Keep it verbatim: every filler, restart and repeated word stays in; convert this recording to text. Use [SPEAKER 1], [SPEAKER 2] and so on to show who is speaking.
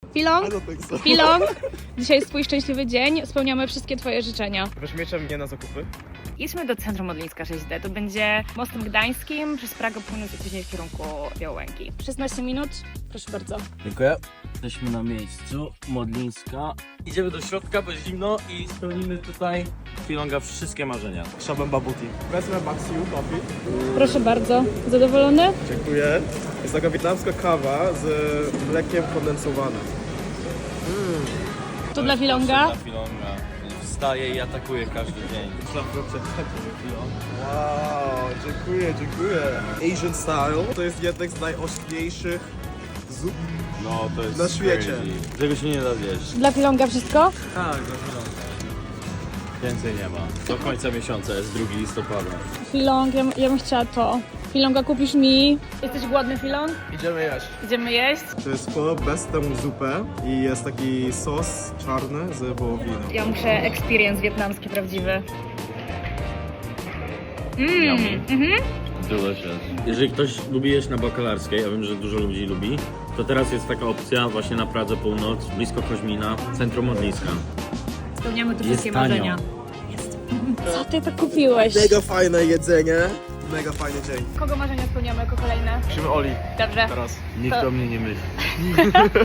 [SPEAKER 1] Filong? Filong? Dzisiaj jest twój szczęśliwy dzień, spełniamy wszystkie twoje życzenia.
[SPEAKER 2] Weźmiecie mnie na zakupy?
[SPEAKER 1] Jedźmy do centrum Modlińska sześć D. To będzie mostem gdańskim, przez Pragę północ i później w kierunku Białęki. szesnaście minut, proszę bardzo.
[SPEAKER 3] Dziękuję. Jesteśmy na miejscu, Modlińska. Idziemy do środka, bo jest zimno i spełnimy tutaj Filonga wszystkie marzenia.
[SPEAKER 2] Szabem babuti. Wezmę Maxiu coffee.
[SPEAKER 1] Proszę bardzo. Zadowolony?
[SPEAKER 2] Dziękuję. Jest taka wietnamska kawa z mlekiem kondensowanym.
[SPEAKER 1] To dla Filonga.
[SPEAKER 3] Dla Filonga. Wstaje i atakuje każdy dzień.
[SPEAKER 2] Wow, dziękuję, dziękuję. Asian style to jest jednek z najośniejszych zup.
[SPEAKER 3] No to jest
[SPEAKER 2] Na świecie.
[SPEAKER 3] crazy. Tego się nie da zjeść.
[SPEAKER 1] Dla Filonga wszystko?
[SPEAKER 3] Tak, dla Filonga. Więcej nie ma. Do końca miesiąca jest drugiego listopada.
[SPEAKER 1] Filong, ja, ja bym chciała to. Filonga kupisz mi. Jesteś głodny, Filong?
[SPEAKER 2] Idziemy jeść.
[SPEAKER 1] Idziemy jeść?
[SPEAKER 2] To jest po bez temu zupę i jest taki sos czarny z wołowiną.
[SPEAKER 1] Ja muszę experience wietnamski prawdziwy. Mmm, mhm.
[SPEAKER 3] Delicious. Jeżeli ktoś lubi jeść na bakalarskiej, ja wiem, że dużo ludzi lubi, to teraz jest taka opcja właśnie na Pradze Północ, blisko Koźmina, centrum Modlińska.
[SPEAKER 1] Spełniamy tu
[SPEAKER 3] Jest
[SPEAKER 1] wszystkie
[SPEAKER 3] tanio.
[SPEAKER 1] marzenia. Jest. Co ty to kupiłeś?
[SPEAKER 2] Mega fajne jedzenie. Mega fajny dzień.
[SPEAKER 1] Kogo marzenia spełniamy jako kolejne?
[SPEAKER 2] Musimy Oli
[SPEAKER 1] Dobrze.
[SPEAKER 2] teraz.
[SPEAKER 3] Nikt
[SPEAKER 1] To-
[SPEAKER 3] do mnie nie myśli.